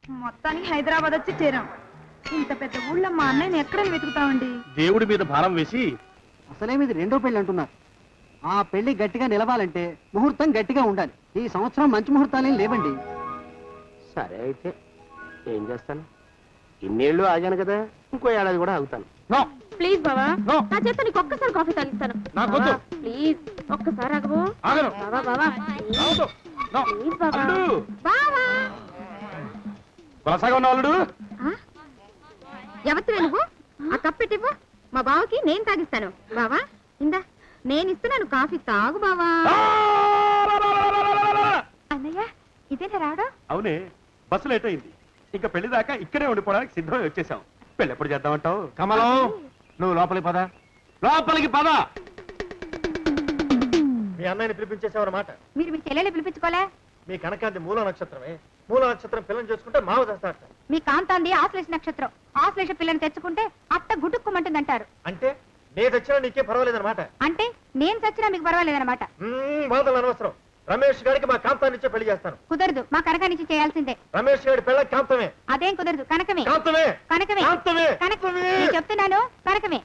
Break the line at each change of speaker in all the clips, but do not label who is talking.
మొత్తానికి హైదరాబాద్ వచ్చి చేరాం. ఇంత పెద్ద ఊళ్ళో మా అన్నయ్యని ఎక్కడ వెతుకుతామండి?
దేవుడి మీద భారం వేసి
అసలే మీది రెండో పెళ్లి అంటున్నారు. ఆ పెళ్లి గట్టిగా నిలవాలంటే ముహూర్తం గట్టిగా ఉండాలి. ఈ సంవత్సరం మంచి ముహూర్తాలేం లేవండి.
సరే అయితే ఏం చేస్తాను, ఇన్నేళ్ళు ఆగాను కదా, ఇంకో ఏడాది కూడా ఆగుతాను.
ప్లీజ్ బావా, నా చేత నీకు ఒక్కసారి కాఫీ తాగిస్తాను. ప్లీజ్ ఒక్కసారి ఆగవు. బావా బావా ప్లీజ్ బావా. బావా
కొనసాగా ఉన్న వాళ్ళు
ఎవరివే నువ్వు? ఆ కప్పెట్టివ్వు, మా బావకి నేను తాగిస్తాను. బావా ఇందా నేను ఇస్తున్నాను కాఫీ, తాగు బావా. అన్నయ్య ఇదేనా రావడం?
అవునే, బస్సు లేట్ అయింది. ఇంకా పెళ్లి దాకా ఇక్కడే ఉండిపోవడానికి సిద్ధమై వచ్చేసాం. పెళ్లి ఎప్పుడు చేద్దామంటావు? కమలం, నువ్వు లోపలికి పద, లోపలికి పద.
మీ అన్నయ్యని పిలిపించేసావన్నమాట.
మీరు మీ చెల్లెల్ని పిలిపించుకోలే?
మీ కనకాంతి మూల నక్షత్రమే. మూల నక్షత్రం పిల్లని చేసుకుంటే మావ చేస్తారట.
మీ కాంతాంది ఆశ్లేష నక్షత్రం. ఆశ్లేష పిల్లని తెచ్చుకుంటే అత్త గుటుక్కుమంటుందంటారు.
అంటే నేను తెచ్చినా నీకే పర్వాలేదన్నమాట.
అంటే నేను చచ్చినా మీకు పర్వాలేదన్నమాట.
బాధలు అనవసరం. రమేష్ గారికి మా కాంతాన్ని ఇచ్చే పెళ్లి చేస్తాను.
కుదరదు, మా కనకానిచ్చి చేయాల్సిందే.
రమేష్ గారి పెళ్ళ కాంతమే.
అదేం కుదరదు, కనకమే.
కాంతమే
కనకమే
కాంతమే
కనకమే నేను చెప్తున్నాను, కనకమే.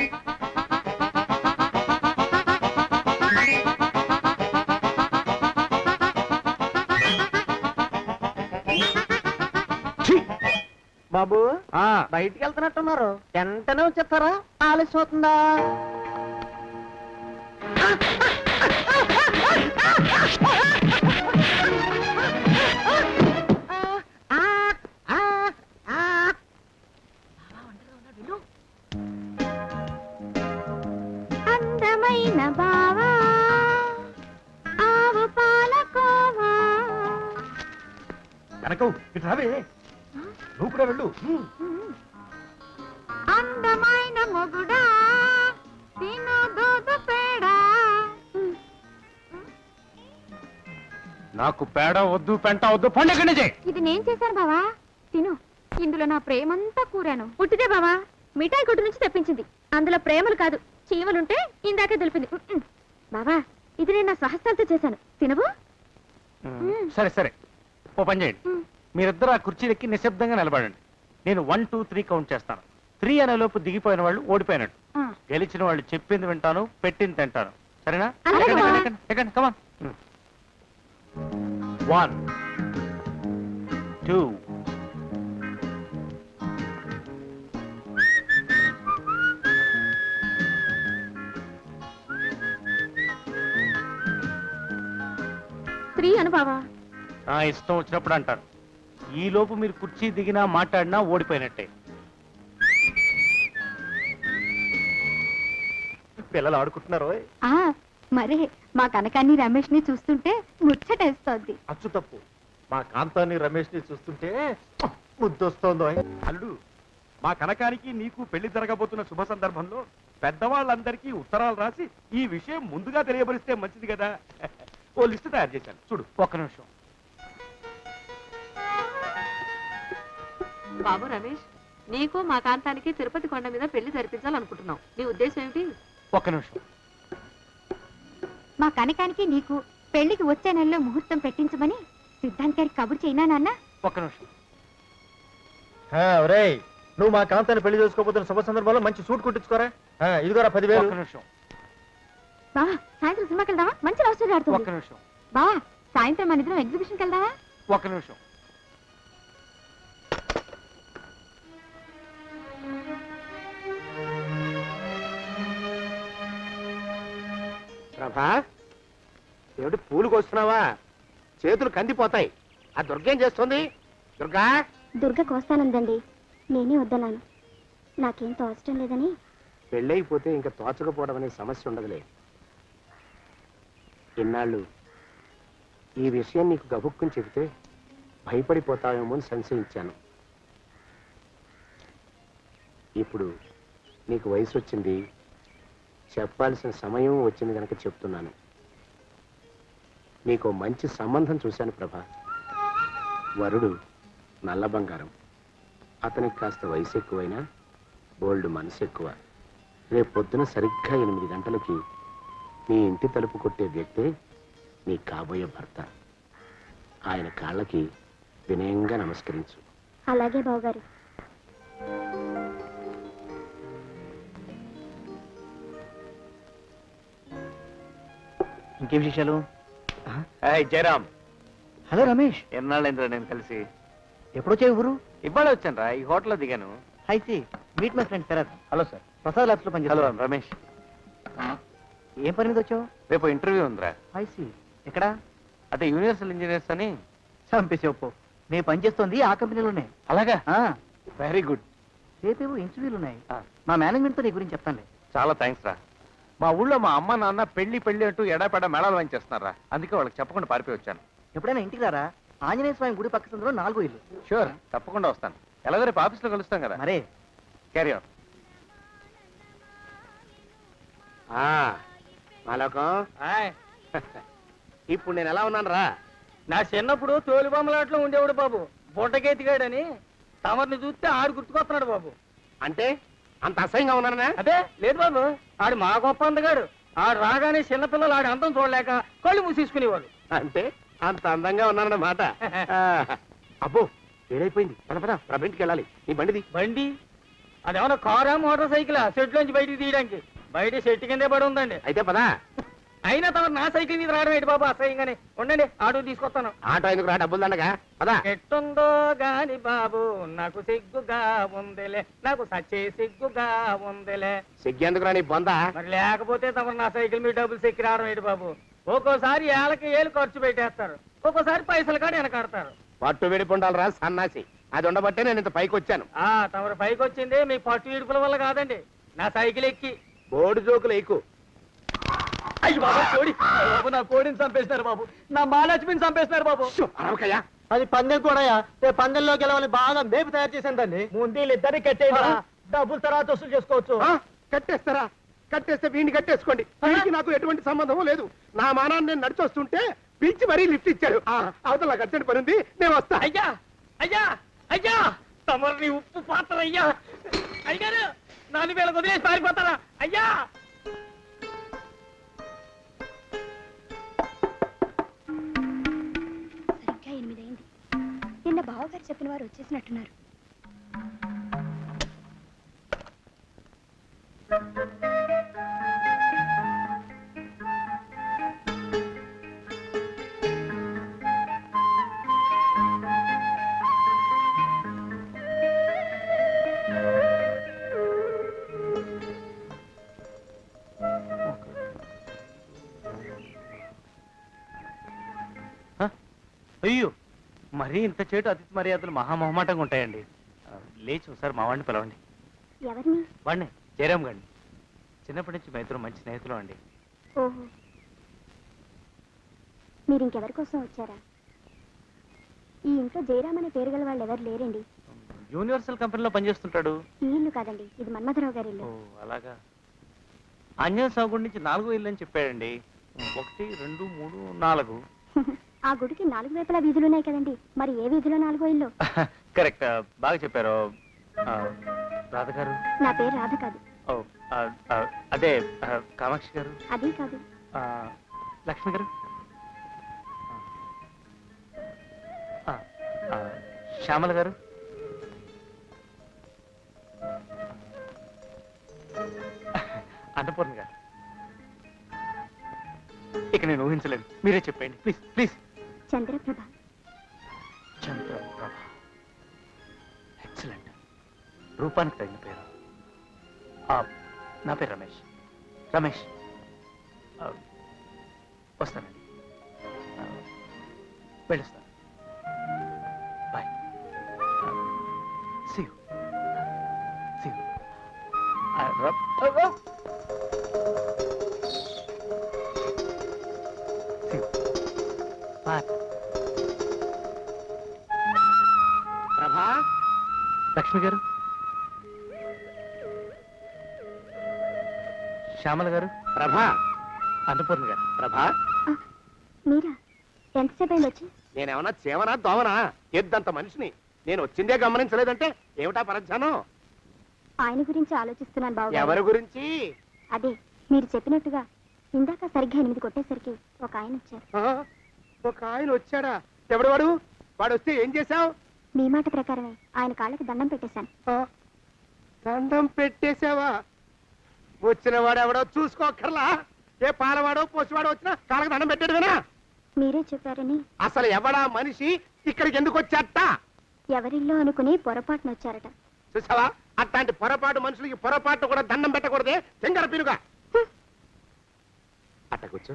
బాబు బయటికి వెళ్తున్నట్టున్నారు, వెంటనే వచ్చేస్తారా? ఆలస్యం అవుతుందా?
అందమైన బావా ఆవు పాలకోవా.
కనకం ఇటు రావే, నువ్వు కూడా వెళ్ళు.
అందమైన మొగుడా తిను దూదు పేడా.
నాకు పేడ వద్దు, పెంట వద్దు, పండుగ నుంచి.
ఇది నేను చేశాను బావా, తిను. ఇందులో నా ప్రేమంతా కూరాను. పుట్టిదే బావా, మిఠాయి కొట్టు నుంచి తెప్పించింది. అందులో ప్రేమలు కాదు చీమలుంటే ఇందాకే తెలిపింది. బావా ఇది నేను నా స్వహస్తాలతో చేశాను, తినవు?
సరే సరే, ఓ పని చేయండి. మీరిద్దరు ఆ కుర్చీలెక్కి నిశ్శబ్దంగా నిలబడండి. నేను 1, 2, 3 కౌంట్ చేస్తాను. 3 అనే లోపు దిగిపోయిన వాళ్ళు ఓడిపోయినట్టు. గెలిచిన వాళ్ళు చెప్పింది వింటాను, పెట్టింది తింటాను. సరేనా? ఎక్కండి, కమాన్. 1, 2.
అను బావా.
ఇష్టం వచ్చినప్పుడు అంటారు. ఈ లోపు మీరు కుర్చీ దిగినా మాట్లాడినా ఓడిపోయినట్టే.
పిల్లలు ఆడుకుంటున్నారు.
మరే మా కనకాన్ని రమేష్ ని చూస్తుంటే ముచ్చటేస్తోంది.
అచ్చు తప్పు, మా కాంతాన్ని రమేష్ ని చూస్తుంటే ముద్దొస్తోందో.
అల్లుడు, మా కనకానికి నీకు పెళ్లి జరగబోతున్న శుభ సందర్భంలో పెద్దవాళ్ళందరికీ ఉత్తరాలు రాసి ఈ విషయం ముందుగా తెలియబరిస్తే మంచిది కదా. ఓ లిస్టు తయారు చేశాను, చూడు. ఒక్క నిమిషం.
బాబు రమేష్, నీకు మా కాంతానికి తిరుపతి కొండ మీద పెళ్లి జరిపించాలనుకుంటున్నావు. నీ ఉద్దేశం ఏమిటి?
ఒక్క నిమిషం.
మా కనకానికి నీకు పెళ్లికి వచ్చే నెలలో ముహూర్తం పెట్టించమని సిద్ధాంత్ గారికి కబురు చేయనా నాన్న?
ఒక్క నిమిషం.
ఒరేయ్, నువ్వు మా కాంతాన్ని పెళ్లి చేసుకోబోతున్న శుభ సందర్భంలో మంచి సూట్ కుట్టించుకోరా. ఇదిగోరా 10,000.
ఒక్క నిమిషం.
బావా సాయంత్రం సినిమాకి వెళ్దామా? మంచి లవ్ స్టోరీ ఆడుతుంది.
ఒక్క నిమిషం.
బావా సాయంత్రం మన ఇద్దరం ఎగ్జిబిషన్కి వెళ్దామా?
ఒక్క నిమిషం. ప్రభా, ఏమిటి పూలు కోస్తున్నావా? చేతులు కందిపోతాయి. ఆ దుర్గేం చేస్తుంది? దుర్గా.
దుర్గ కోస్తానందండి, నేనే వద్దన్నాను. నాకేం తోచడం లేదని.
పెళ్ళైపోతే ఇంకా తోచకపోవడం అనే సమస్య ఉండదులే. ఇన్నాళ్ళు ఈ విషయం నీకు గబుక్కుని చెబితే భయపడిపోతావేమో అని సంశయించాను. ఇప్పుడు నీకు వయసు వచ్చింది, చెప్పాల్సిన సమయం వచ్చింది కనుక చెప్తున్నాను. నీకు మంచి సంబంధం చూశాను ప్రభా. వరుడు నల్ల బంగారం. అతనికి కాస్త వయసు ఎక్కువైనా బోల్డ్ మనసు ఎక్కువ. రేపు పొద్దున సరిగ్గా 8 గంటలకి నీ ఇంటి తలుపు కొట్టే వ్యక్తే నీ కాబోయే భర్త. ఆయన కాళ్ళకి
వినయంగా నమస్కరించు.
అలాగే బావగారు.
ఇంకేం విశేషాలు?
జయరామ్,
హలో రమేష్,
ఎన్నాళ్ళైందిరా నేను కలిసి?
ఎప్పుడొచ్చావు ఊరు?
ఇవాళ వచ్చాను రా, ఈ హోటల్లో దిగాను.
I see meet my friend Sharath.
Hello sir.
Prasad labs లో
హలో
పనిచేస్తాను.
రమేష్.
ఏం పని మీద వచ్చావు?
రేపు ఇంటర్వ్యూ ఉందిరా.
ఐసి ఎక్కడ?
అదే యూనివర్సల్ ఇంజనీర్స్ అని.
చంపేసి ఒప్పు, నేను పనిచేస్తోంది ఆ కంపెనీలోనే.
అలాగా?
ఆ,
వెరీ గుడ్.
రేపేవో ఇంటర్వ్యూలు ఉన్నాయి. మా మేనేజ్మెంట్ తో నీ గురించి చెప్తానులే.
చాలా థ్యాంక్స్ రా. మా ఊళ్ళో మా అమ్మ నాన్న పెళ్లి అంటూ ఎడాపెడా మేళాలు వాయించేస్తున్నారా, అందుకే వాళ్ళకి చెప్పకుండా పారిపోయి వచ్చాను.
ఎప్పుడైనా ఇంటికి రారా? ఆంజనేయ స్వామి గుడి పక్క సందులో 4 ఇల్లు.
షూర్, తప్పకుండా వస్తాను. ఎలాగో రేపు ఆఫీస్లో కలుస్తాం కదా.
మరే
క్యారీ ఆన్.
మాలోకం, ఇప్పుడు నేను ఎలా ఉన్నాను రా?
నా చిన్నప్పుడు తోలుబొమ్మలాట్లో ఉండేవాడు బాబు, బుట్టకెత్తిగాడని. తమరిని చూస్తే ఆడు గుర్తుకొస్తున్నాడు బాబు.
అంటే అంత అసహ్యంగా ఉన్నానా?
అదే లేదు బాబు, ఆడు మా గొప్ప అందగాడు. ఆడు రాగానే చిన్నపిల్లలు ఆడి అందం చూడలేక కళ్ళు మూసేసుకునేవాడు.
అంటే అంత అందంగా ఉన్నానన్నమాట. అబ్బో, ఏడైపోయింది. పద పద, ఇంటికి వెళ్ళాలి. నీ బండిది.
బండి అదేమన్నా కారా మోటార్ సైకిలా షెడ్లోంచి బయటికి తీయడానికి? బయట షెట్ కిందే పడి ఉందండి.
అయితే పదా.
అయినా తమరు నా సైకిల్ మీద రావడం ఏంటి బాబు అసహ్యంగానే. ఉండండి, ఆటో తీసుకొస్తాను.
ఆటో ఎందుకు రా, డబ్బులు దండగా. పదా.
ఎట్టుందో గాని బాబు నాకు సిగ్గుగా ఉందిలే, నాకు సచ్చే సిగ్గుగా ఉందిలే.
సిగ్గెందుకు రా నీ బొంద?
మరి లేకపోతే తమరు నా సైకిల్ మీద డబ్బులు సెక్కి రావడం ఏంటి బాబు? ఒక్కోసారి ఏళ్ళకి ఏళ్ళు ఖర్చు పెట్టేస్తారు, ఒక్కోసారి పైసలు కాడ వెనకాడతారు.
పట్టు విడిపుండాలి రా సన్నాసి. అది ఉండబట్టే నేను ఇంత పైకి వచ్చాను.
తమరు పైకి వచ్చింది మీ పట్టు ఇడుపుల వల్ల కాదండి, నా సైకిల్ ఎక్కి.
బోర్డు జోకులు ఎక్కువ.
అయ్యి బాబు, కోడి బాబు, నా కోడిని చంపేసినారు బాబు, నా మహాలక్ష్మిని చంపేసినారు బాబు.
అరవకయ్యా.
అది పందెం కూడా. పందెంలోకి వెళ్ళాలని బాగా మేపు తయారు చేశాను దాన్ని.
ముందు వీళ్ళిద్దరిని కట్టేయండి, డబ్బులు తర్వాత వసూలు చేసుకోవచ్చు.
కట్టేస్తారా? కట్టేస్తే వీడిని కట్టేసుకోండి. వీడికి నాకు ఎటువంటి సంబంధం లేదు. నా మానాన్ని నేను నడిచొస్తుంటే పిలిచి మరీ లిఫ్ట్ ఇచ్చాడు. అవతల నాకు అర్జెంట్ పని ఉంది, నేను వస్తా.
అయ్యా అయ్యా అయ్యా, తమరిని ఉప్పు పాత్ర అయ్యా. అయ్యారు నాలుగు వేల వదిలేసి పారిపోతారా అయ్యా?
సరిగ్గా 8 అయింది. నిన్న బావగారు చెప్పిన వారు వచ్చేసినట్టున్నారు.
అయ్యో, మరీ ఇంత చేటు అతిథి మర్యాదలు మహామహమాటంగా ఉంటాయండి. లేచి ఒకసారి మా వాడిని పిలవండి.
ఎవరిని?
వాడిని, జయరామ్ గారిని. చిన్నప్పటి నుంచి మా ఇద్దరు మంచి స్నేహితులు అండి.
ఓహో, మీరు ఇంకెవరి కోసం వచ్చారా? ఈ ఇంట్లో జయరామ్ అనే పేరు గల వాళ్ళు ఎవరు లేరండి.
యూనివర్సల్ కంపెనీలో పనిచేస్తుంటాడు.
ఈ ఇల్లు కాదండి, ఇది మన్మథరావు గారి
ఓ
ఇల్లు.
అలాగా. ఆంజనేయ స్వామి గుడి నుంచి 4 ఇల్లు అని చెప్పాడండి. 1, 2, 3, 4.
ఆ గుడికి 4 వైపులా వీధులున్నాయి కదండి, మరి ఏ వీధిలో 4వ ఇల్లు?
కరెక్ట్, బాగా చెప్పారు. రాధ గారు?
నా పేరు రాధ కాదు.
ఓ, అదే కామాక్షి గారు?
అది కాదు.
లక్ష్మి గారు? శ్యామల గారు? అన్నపూర్ణ గారు? ఇక నేను ఊహించలేదు, మీరే చెప్పండి please please.
Chandraprabha.
Chandraprabha, excellent. రూపానికి తగిన పేరు. నా పేరు రమేష్. రమేష్, వస్తానండి, వెళ్ళొస్తాను. Bye. See you. See you. See you. Bye.
ప్రభా,
లక్ష్మి గారు? శ్యామల గారు?
ప్రభా,
అన్నపూర్ణ గారు?
ప్రభా,
మీరా? ఎంతసేపు అయింది వచ్చి?
నేనేమన్నా చేవనా దోవనా? ఎద్దంత మనిషిని. నేను వచ్చిందే గమనించలేదంటే ఏమిటా పరధ్యానం?
ఆయన గురించి ఆలోచిస్తున్నాను బాబు.
ఎవరి గురించి?
అదే మీరు చెప్పినట్టుగా ఇందాక సరిగ్గా 8 కొట్టేసరికి ఒక ఆయన వచ్చారు.
ఒక ఆయన వచ్చాడా? ఎవడు వాడు? వాడు వస్తే ఏం చేశావు?
మీ మాట ప్రకారమే ఆయన కాళ్ళకి దండం పెట్టేశాను.
దండం పెట్టేశావా? వచ్చిన వాడు ఎవడో చూసుకోకర్లా. ఏ పాలవాడో పోసివాడో వచ్చినా కాళ్ళకి దండం పెట్టాడువేనా?
మీరే చెప్పారని
అసలు ఎవడా మనిషి ఇక్కడికి ఎందుకు వచ్చాట?
ఎవరిల్లో అనుకుని పొరపాటున వచ్చారట.
చూసావా, అట్లాంటి పొరపాటు మనుషులకి పొరపాటు కూడా దండం పెట్టకూడదే. తెంగర పినుగా అట్ట కూర్చో.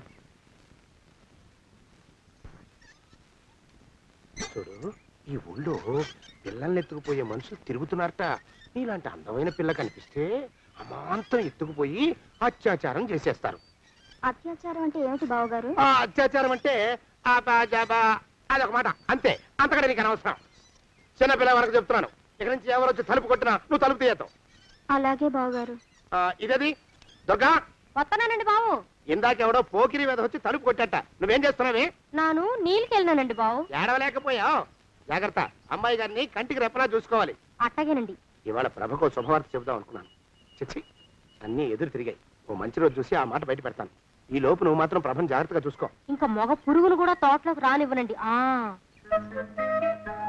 చూడు, ఈ ఊళ్ళో పిల్లల్ని ఎత్తుకుపోయే మనుషులు తిరుగుతున్నారట. నీలాంటి అందమైన పిల్ల కనిపిస్తే అమాంతం ఎత్తుకుపోయి అత్యాచారం చేసేస్తారు.
అత్యాచారం అంటే ఏమిటి బావగారు?
ఆ అత్యాచారం అంటే అదొక మాట అంతే, అంతకంటే నీకు అనవసరం. చిన్నపిల్ల వరకు చెప్తున్నాను. ఇక్కడి నుంచి ఎవరు వచ్చి తలుపు కొట్టినా నువ్వు తలుపు తీయతావు.
అలాగే బావగారు.
ఇదేది దుర్గా?
వస్తున్నానండి బావు.
ఇందాకెవడో పోకిరి మీద వచ్చి తలుపు కొట్టట. నువ్వేం చేస్తున్నావే?
నాను నీళ్ళకెళ్ళినానండి బావు.
ఏడవలేకపోయావు. జాగ్రత్త, అమ్మాయి గారిని కంటికి రెప్పలా చూసుకోవాలి.
అట్టగేనండి.
ఇవాళ ప్రభకు శుభవార్త చెబుదాం అనుకున్నాను. చిచ్చి, అన్నీ ఎదురు తిరిగాయి. ఓ మంచి రోజు చూసి ఆ మాట బయట పెడతాను. ఈ లోపు నువ్వు మాత్రం ప్రభను జాగ్రత్తగా చూసుకో.
ఇంకా మగ పురుగులు కూడా తోటలోకి రానివ్వనండి.